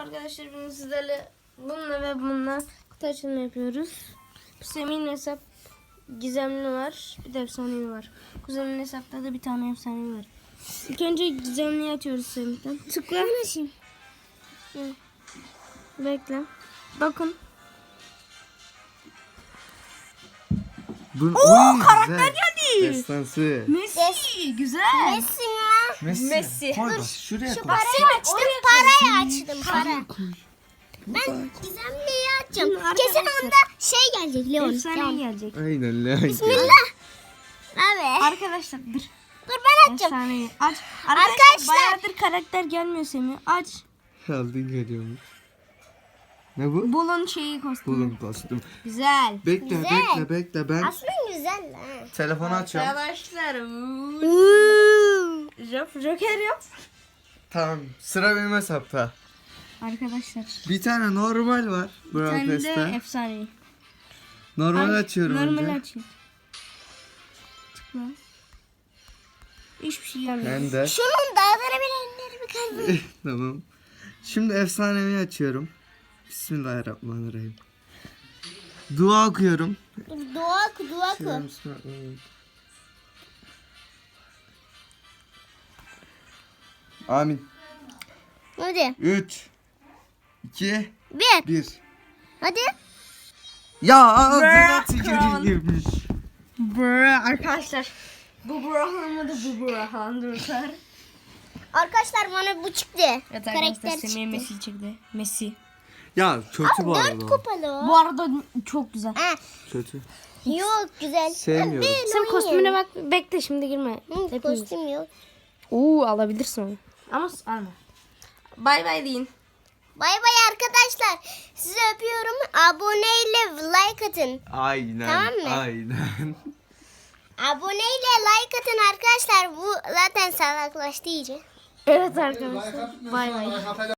arkadaşlar, bugün sizlerle bununla ve bununla kutu açılımı yapıyoruz. Semih'in hesap gizemli var, bir de efsanevi var. Kuzenin hesapta da bir tane efsanevi var. İlk önce gizemliyi açıyoruz Semih'ten. Tıkla. Bekle. Bakın. Oo, karakter geldi. Destansı. Messi, güzel. Messi mi? Messi. Koy bak şuraya koy. Parayı açtım, parayı açtım, para. Koy. Ben gizemliyi açacağım. Kesin onda şey gelecek, Leon. Efsanevi gelecek. Aynen lan. Bismillah. Evet. Arkadaşlar dur. Dur ben açacağım. Efsanevi. Aç. Arkadaşlar. Bayağıdır karakter gelmiyor Semih. Aç. Aldın geliyormuş. Ne bu? Bulun şeyi kostümü. Bulun kostüm. Güzel. Bekle Güzel. bekle ben Aslında güzel lan. telefonu açıyorum. Arkadaşlar. Joker yap. Tamam sıra benim hesapta. Arkadaşlar. Bir tane normal var. Bir Brawl tane de Pass'ta. efsanevi. Normal açıyorum Normal önce. açayım. Tıkla. Hiçbir şey gelmiyor. Ben de. Şunun dağıtırabilenleri bir kalbi. Tamam. Şimdi efsanevi açıyorum. Bismillahirrahmanirrahim. Dua okuyorum. Dua oku. Bismillahirrahmanirrahim. Amin. Hadi. 3 2 Bir. 1. Hadi. Ya ağzına tüküreyim. Arkadaşlar. Bu Burhan'ı da bu Burhan durur. Arkadaşlar bana bu çıktı. Evet Karakter arkadaşlar, çıktı. Semih'e Messi çıktı. Messi. Ya kötü bu arada. 4 o. kupalı o. Bu arada çok güzel. Ha, Kötü. yok güzel. Sevmiyorum. Ben Sen kostümüne bak, bekle şimdi girme. Hepimiz. Kostüm yok. Alabilirsin onu. Ama alma. Bay bay deyin. Bay bay arkadaşlar. Sizi öpüyorum. Aboneyle like atın. Aynen. Tamam mı? Aynen. Aboneyle like atın arkadaşlar. Bu zaten salaklaştı iyice. Evet arkadaşlar. Bay bay.